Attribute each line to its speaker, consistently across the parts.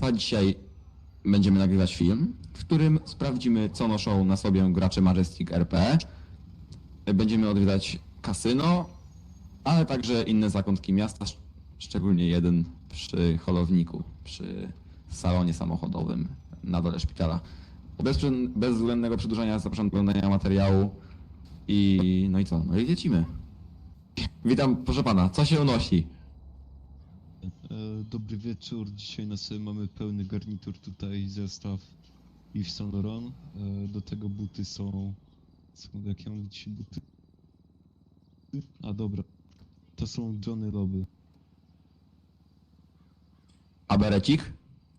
Speaker 1: państwa, dzisiaj będziemy nagrywać film, w którym sprawdzimy, co noszą na sobie gracze Majestic RP. Będziemy odwiedzać kasyno, ale także inne zakątki miasta, szczególnie jeden przy holowniku, przy salonie samochodowym na dole szpitala. Bez względnego przedłużania zapraszam do oglądania materiału i no i co? No i lecimy. Witam, proszę pana, co się unosi?
Speaker 2: Dobry wieczór, dzisiaj na sobie mamy pełny garnitur tutaj, zestaw Yves Saint Laurent. Do tego buty są, jak ja mam dzisiaj buty? A dobra, to są Johnny Loby.
Speaker 1: A berecik?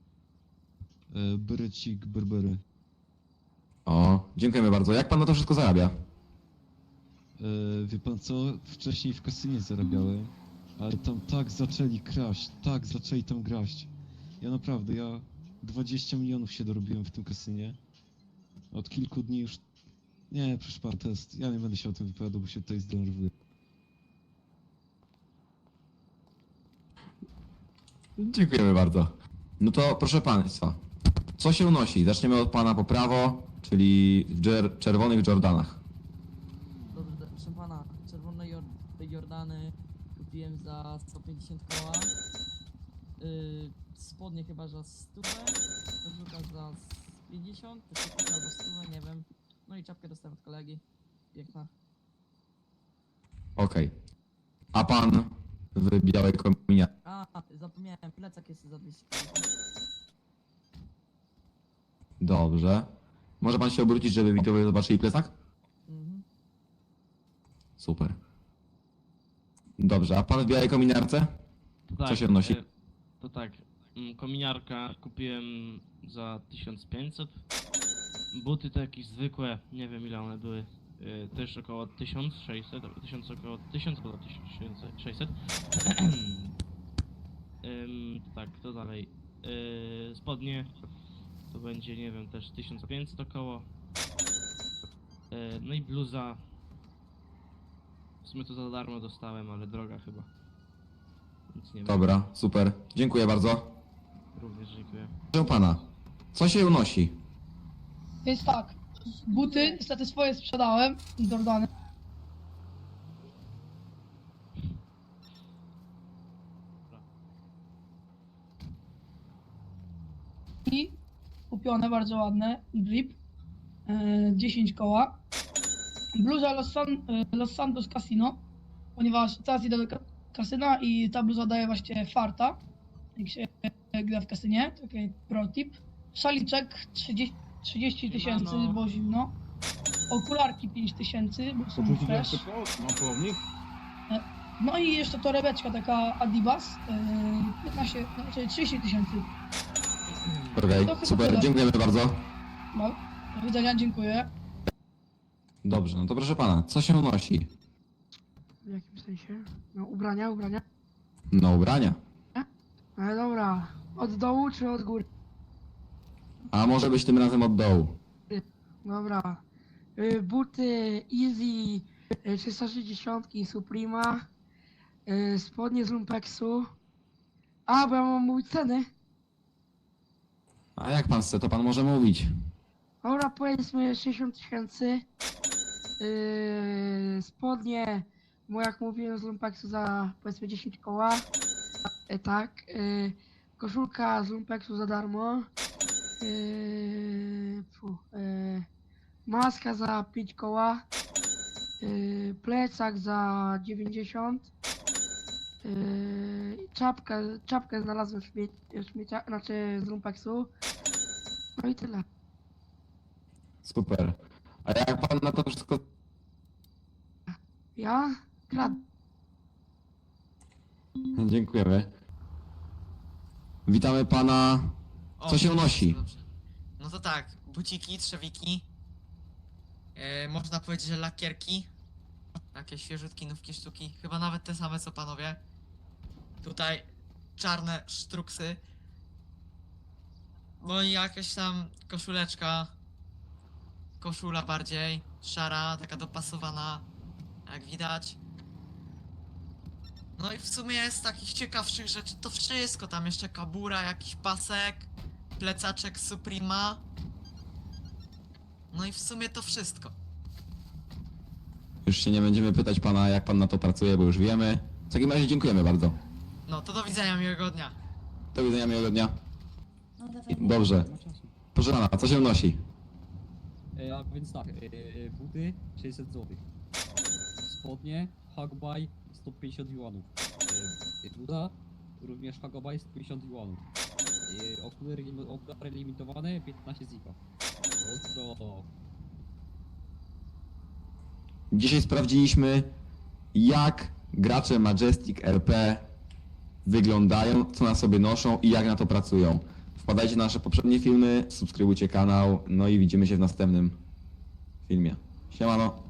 Speaker 2: Berecik Berbery.
Speaker 1: O, dziękujemy bardzo. Jak pan na to wszystko zarabia?
Speaker 2: Wie pan co, wcześniej w kasynie zarabiałem, ale tam tak zaczęli kraść, tak zaczęli tam graść. Ja naprawdę, 20 milionów się dorobiłem w tym kasynie. Od kilku dni już... Nie, proszę pan, to jest... Ja nie będę się o tym wypowiadał, bo się tutaj zdenerwuję.
Speaker 1: Dziękujemy bardzo. No to proszę państwa, co się unosi? Zaczniemy od pana po prawo, czyli w czerwonych Jordanach.
Speaker 3: Dobrze, proszę pana, czerwone Jordany kupiłem za 150 koła. Spodnie chyba za 100, koszulka za 50, to się kupię albo 100, nie wiem. No i czapkę dostałem od kolegi. Piękna.
Speaker 1: Okej. A pan w białej kominiarce?
Speaker 3: A, zapomniałem, plecak jest za 200 koła.
Speaker 1: Dobrze. Może pan się obrócić, żeby widzowie zobaczyli plecak?
Speaker 3: Mhm.
Speaker 1: Super. Dobrze, a pan w białej kominiarce?
Speaker 4: Tak,
Speaker 1: Co się odnosi?
Speaker 4: To tak, kominiarka kupiłem za 1500. Buty to jakieś zwykłe, nie wiem ile one były. Też około 1600, 1000 około 1000 albo 1600. Tak, to dalej. Spodnie to będzie, nie wiem, też 1500 około. No i bluza. W sumie to za darmo dostałem, ale droga chyba. Nic nie wiem.
Speaker 1: Dobra, super. Dziękuję bardzo.
Speaker 4: Również dziękuję.
Speaker 1: Proszę pana, co się unosi?
Speaker 5: Więc tak, buty niestety swoje sprzedałem, Jordany. I kupione, bardzo ładne, drip, 10 koła. Bluza Los Santos Casino, ponieważ teraz idę do kasyna i ta bluza daje właśnie farta, jak się gra w kasynie, taki pro tip. Szaliczek 30 tysięcy, bo zimno. Okularki 5 tysięcy, bo są fresh. No i jeszcze torebeczka taka Adibas, 15, znaczy 30 tysięcy.
Speaker 1: Okej,
Speaker 5: To chyba
Speaker 1: super,
Speaker 5: tyle.
Speaker 1: dziękujemy bardzo.
Speaker 5: No, do widzenia, dziękuję.
Speaker 1: Dobrze, no to proszę pana, co się unosi?
Speaker 6: W jakim sensie? No ubrania, ubrania.
Speaker 1: No ubrania.
Speaker 6: Ale dobra, od dołu czy od góry?
Speaker 1: A może być tym razem od dołu.
Speaker 6: Dobra. Buty Easy 360 Suprema. Spodnie z Lumpexu. A, bo ja mam mówić ceny.
Speaker 1: A jak pan chce, to pan może mówić.
Speaker 6: Dobra, powiedzmy 60 tysięcy. Spodnie, bo jak mówiłem z Lumpexu za powiedzmy 10 koła. Tak. Koszulka z Lumpexu za darmo. Maska za 5 koła. Plecak za 90. Czapkę znalazłem w śmiecia, znaczy z Lumpexu. No i tyle.
Speaker 1: Super. A jak pan na to wszystko...
Speaker 6: Ja? Krad.
Speaker 1: Dziękujemy. Witamy pana... Co się unosi?
Speaker 7: Dobrze. No to tak, buciki, trzewiki. Można powiedzieć, że lakierki. Takie świeżutki, nówki sztuki. Chyba nawet te same co panowie. Tutaj czarne sztruksy. No i jakaś tam koszuleczka. Koszula bardziej. Szara, taka dopasowana. Jak widać. No i w sumie z takich ciekawszych rzeczy to wszystko. Tam jeszcze kabura, jakiś pasek, plecaczek Suprema. No i w sumie to wszystko.
Speaker 1: Już się nie będziemy pytać pana, jak pan na to pracuje, bo już wiemy. W takim razie dziękujemy bardzo.
Speaker 7: No to do widzenia, miłego dnia.
Speaker 1: Do widzenia, miłego dnia. Dobrze. Proszę pana, co się nosi?
Speaker 8: A więc tak, buty 600 zł. Spodnie Hagbaj 150 juanów. Bluza również Hagbaj 150 juanów. Okulary limitowane 15 zika. Ostro.
Speaker 1: Dzisiaj sprawdziliśmy, jak gracze Majestic RP wyglądają, co na sobie noszą i jak na to pracują. Wpadajcie na nasze poprzednie filmy, subskrybujcie kanał, no i widzimy się w następnym filmie. Siemano!